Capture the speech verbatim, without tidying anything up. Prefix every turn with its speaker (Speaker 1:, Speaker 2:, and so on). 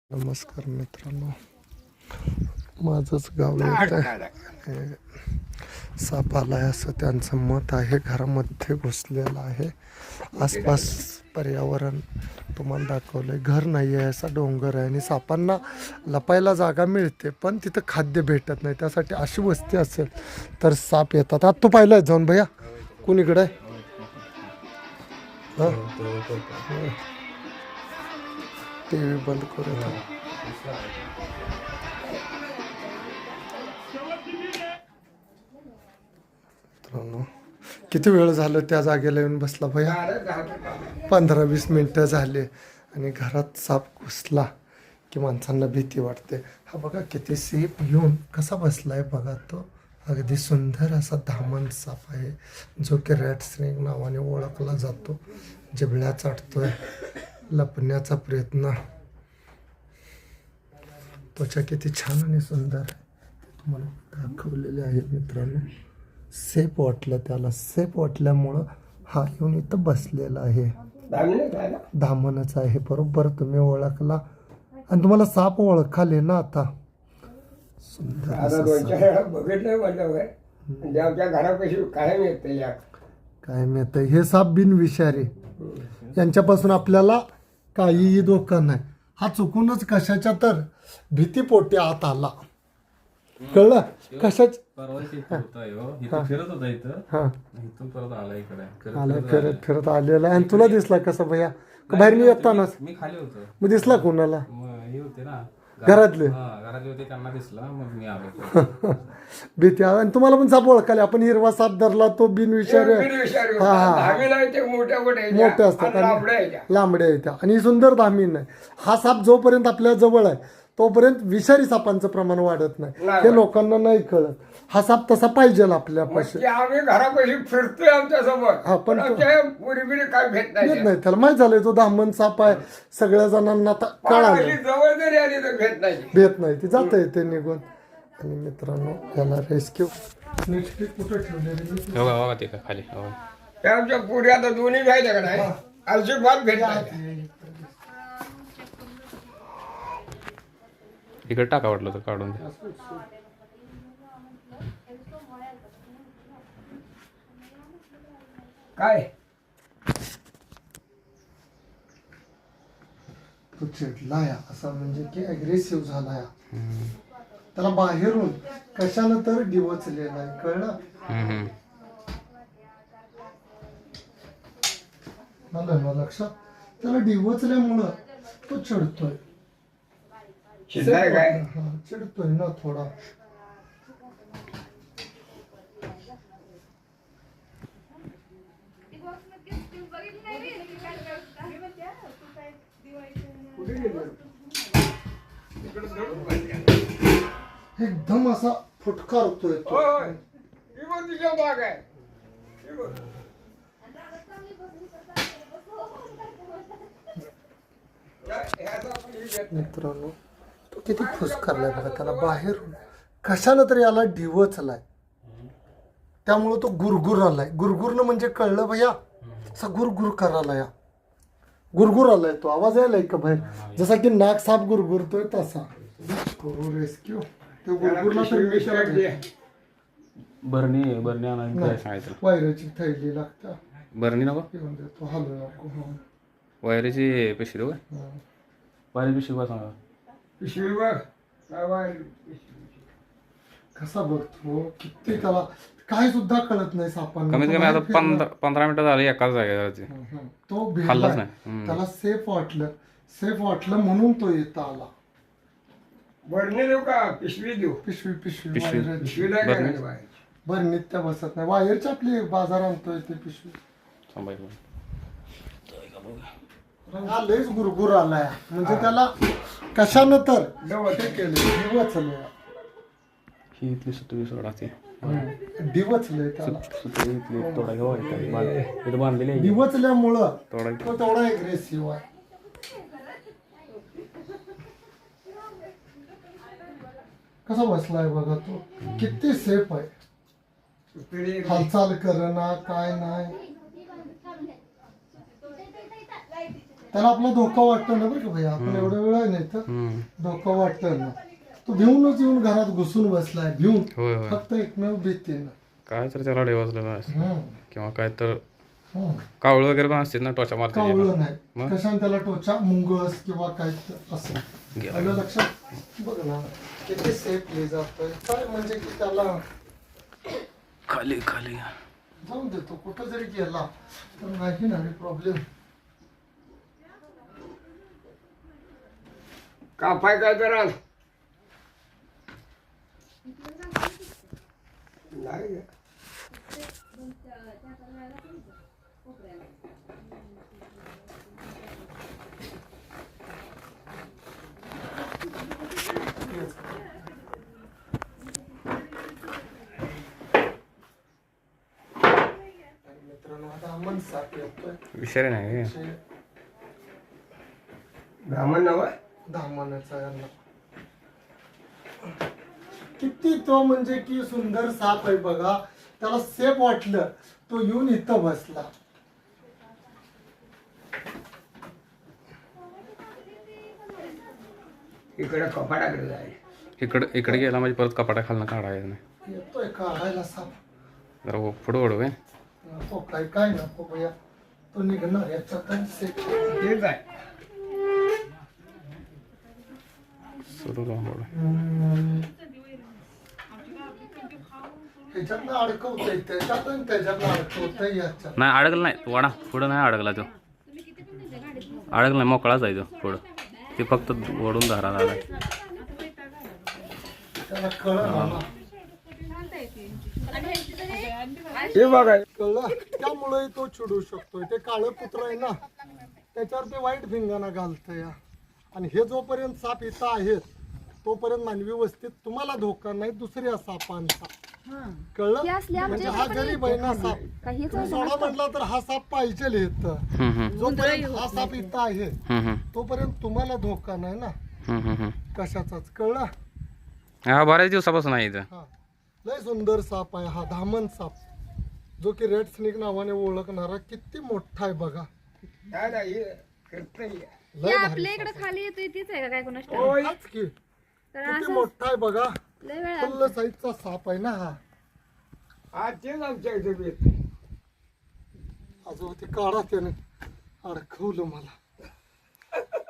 Speaker 1: नमस्कार मित्रांनो, माझंच गाव येत आहे. साप आलाय असं त्यांचं मत आहे. घरामध्ये घुसलेला आहे. आसपास पर्यावरण तुम्हाला दाखवलंय. घर नाही आहे, असा डोंगर आहे आणि सापांना लपायला जागा मिळते पण तिथं खाद्य भेटत नाही. त्यासाठी अशी वस्ती असेल तर साप येतात. आता तू पाहिलं जाऊन भैया कुणीकडे आहे? टी व्ही बंद करत आहे. किती वेळ झालं त्या जागेला येऊन बसला भैया? पंधरा वीस मिनिटं झाले आणि घरात साप घुसला की माणसांना भीती वाटते. हा बघा किती सेफ येऊन कसा बसलाय बघा. तो अगदी सुंदर असा धामण साप आहे जो की रॅट स्नेक नावाने ओळखला जातो. जिबळ्या चाटतोय, लपण्याचा प्रयत्न. त्वचा किती छान आणि सुंदर आहे तुम्हाला दाखवलेले आहे मित्रांनो. सेफ वाटलं त्याला. सेफ वाटल्यामुळं हा येऊन इथं बसलेला आहे. धामणच आहे बरोबर तुम्ही ओळखला आणि तुम्हाला साप ओळखाले ना आता. सुंदर काय मिळतं. हे साप बिनविषारी, यांच्यापासून आपल्याला काहीही धोका नाही. हा चुकूनच कशाच्या तर भीतीपोटी आत आला. कळलं कशाच आला फिरत फिरत आलेला. आणि तुला दिसला कसं भैया? बाहेर मी येतानाच
Speaker 2: मी खाली होतो.
Speaker 1: मग दिसला कोणाला?
Speaker 2: हे होते ना
Speaker 1: घरातले
Speaker 2: घरातले होते, त्यांना दिसला मग मी आलो.
Speaker 1: भीती. आणि तुम्हाला पण साप ओळखाले. आपण हिरवा साप धरला तो बिनविषारी. हा हा मोठे असतात लांबड्या येत्या आणि ही सुंदर धामीन आहे. हा साप जोपर्यंत आपल्या जवळ आहे तोपर्यंत विषारी सापांचं प्रमाण वाढत नाही. हे लोकांना नाही कळत. हा साप तसा पाहिजे आपल्यापाशी.
Speaker 3: आम्ही घरापाशी फिरतोय आमच्या सोबत.
Speaker 1: हा पण
Speaker 3: पुरीबिरी काय भेट नाही.
Speaker 1: भेट नाही त्याला. माहित झालंय तो धामण साप आहे. सगळ्या जणांना आता कळालं.
Speaker 3: जवळ जरी आली तर भेट नाही.
Speaker 1: भेट नाही ती जात येते निघून. आणि मित्रांनो याला रेस्क्यू नेक्स्ट कुठं ठेवले
Speaker 2: खाली
Speaker 3: आमच्या पुरी आता दोन्ही घ्यायच्या का नाही अजिबात भेट नाही.
Speaker 2: इकडे टाका वाटलं तर काढून द्या.
Speaker 3: काय
Speaker 1: तो चिडलाय असा म्हणजे की अग्रेसिव्ह झालाय. त्याला बाहेरून कशानं तर डिवचलेला आहे. कळलं मला ना लक्षात. त्याला डिवचल्यामुळं तो चिडतोय.
Speaker 3: काय
Speaker 1: चिडतोय ना थोडा. एकदम असा फुटकारतोय तो.
Speaker 3: बाग आहे.
Speaker 1: मित्रांनो तो किती फुसकारलाय बघा. त्याला बाहेरून कशाला तरी याला डिवचलाय. त्यामुळं तो गुरगुर आलाय. गुरगुरनं म्हणजे कळलं भैया असा गुरगुर करायला. या गुरगुर आलाय तो. आवाज यायलाय का बाहेर? जसा की नाग साप गुरगुरतोय तसा. करू रेस्क्यू. तो गुरगुरला तर
Speaker 2: बरणी बरणी आणायला सांगायचं.
Speaker 1: वायराची थैली लागता.
Speaker 2: बरणी नको
Speaker 1: तो हलू नको.
Speaker 2: वायरीची पिशवी बघ. वायरी पिशवी बघ सांगा.
Speaker 3: पिशवी बघ
Speaker 1: कसा बघतो. किती त्याला काय सुद्धा कळत नाही सापांना.
Speaker 2: कमीत कमी आता पंधरा पंधरा मिनिटं झाली एकाच जागेवरती.
Speaker 1: तो
Speaker 2: खाल्लंच
Speaker 1: भिडलाय.
Speaker 2: नाही.
Speaker 1: त्याला सेफ वाटलं. सेफ वाटलं म्हणून तो येता आला.
Speaker 3: बरणी देऊ का पिशवी देऊ?
Speaker 1: पिशवी पिशवी
Speaker 2: पिशवी.
Speaker 1: वायर-
Speaker 3: पिशवी नाही
Speaker 2: बरणी.
Speaker 3: काय बाहेर.
Speaker 1: बरं नित्य बसत नाही. वायरची आपली बाजार आणतोय ते पिशवी.
Speaker 2: थांबायचं.
Speaker 1: हा लयच गुरगुर आलाय. म्हणजे त्याला कशानं तर
Speaker 3: डवच
Speaker 1: केलं. डिवचलंय.
Speaker 2: ही इथली सुतळी सोडा ती
Speaker 1: डिवचलंय त्याला.
Speaker 2: सुतळी इथली तोडा घेऊ इथं बांधलेली आहे.
Speaker 1: डिवचल्यामुळं
Speaker 2: तोडा
Speaker 1: तो तेवढा एग्रेसिव्ह आहे. कसा बसलाय बघा तो. किती सेफ आहे. हालचाल करणं काय नाही. त्याला आपला धोका वाटतो ना बरं का भैया, आपण एवढा वेळ आहे नाही तर
Speaker 2: हम्म.
Speaker 1: धोका वाटतो ना. तो भिवूनच येऊन घरात घुसून बसलाय, भिवून
Speaker 2: होय होय
Speaker 1: फक्त एकमेव भीतीनं.
Speaker 2: काय तर त्याला डेवाजलेलं असतं
Speaker 1: हम्म.
Speaker 2: किंवा काय तर
Speaker 1: हम्म.
Speaker 2: कावळं वगैरे पण असते ना टोचा मारते
Speaker 1: कावळं नाही,
Speaker 2: मग?
Speaker 1: कशाने त्याला टोचा, मुंगस किंवा काय तर असं.
Speaker 2: गेला.
Speaker 1: आलं लक्षात? बघ ना किती सेफली जातोय. काय म्हणजे की त्याला
Speaker 2: खाली खाली
Speaker 1: जाऊन देतो, कुठं जरी गेला तर नाही ना प्रॉब्लेम.
Speaker 3: कापाय काय जरा नाही ग.
Speaker 1: मित्रांनो आता अमन साप येतोय.
Speaker 2: विषय नाही
Speaker 3: ब्राह्मण नव
Speaker 1: धामानाचा यांना किती तो म्हणजे की सुंदर साप आहे बघा. त्याला सेफ वाटलं, तो येऊन इथं बसला.
Speaker 3: इकडे कपाटाकडे जाय.
Speaker 2: इकडे इकडे गेला म्हणजे परत कपाटा खालनं काढायचं नाही.
Speaker 1: येतोय काढायला साप.
Speaker 2: जरा हो- पुढं ओढू काय
Speaker 1: नको काय काय नको भैया, तो निघणार याच्यात सेफ.
Speaker 3: ठीक आहे.
Speaker 2: सुरू राहू
Speaker 1: ह्याच्यातनं अडकवतंय, त्याच्यातून त्याच्यातनं अडकवतंय याच्यात.
Speaker 2: नाही अडकलं नाही तू वाडा पुढं नाही अडकला तो अडकला नाही मोकळाच आहे तो पुढं ते फक्त ओढून धरा झाला
Speaker 1: त्याला कळलं ना.
Speaker 3: हे बघा
Speaker 1: कळलं, त्यामुळे तो चिडू शकतोय. ते काळं कुत्र आहे ना, त्याच्यावर ते वाईट भिंगाणा घालतंय. आणि हे जोपर्यंत साप इथं आहेत तोपर्यंत मानवी वस्तीत तुम्हाला धोका नाही दुसऱ्या सापांचा. कळलं, म्हणजे हा गरीब आहे ना साप, तुम्ही सोडा म्हटला तर हा साप पाहिजे इथं.
Speaker 2: हम्म, हम्म,
Speaker 1: जोपर्यंत हा साप इथं आहे
Speaker 2: हम्म, हम्म,
Speaker 1: तोपर्यंत तुम्हाला धोका नाही ना
Speaker 2: हम्म, हम्म, हम्म.
Speaker 1: कशाचाच. कळलं.
Speaker 2: हा बऱ्याच दिवसापासून आहे इथं
Speaker 1: हा लय सुंदर साप आहे हा धामण साप, जो की रेड स्नेक नावाने ओळखणारा. किती मोठा आहे बघा.
Speaker 3: नाही नाही हे करतंय.
Speaker 1: लय भारी
Speaker 4: आपल्या इकडे खाली येतोय तीच आहे का काय कोणाच ठाऊक?
Speaker 1: साप. हाच की.
Speaker 4: तर
Speaker 1: किती
Speaker 4: असं
Speaker 1: मोठा आहे बघा.
Speaker 4: लय वेळा
Speaker 1: फुल्ल साईजचा साप आहे ना हा.
Speaker 3: आज तेच आमच्या इथे येते.
Speaker 1: अजून ते काढा त्याने अडकवलं मला.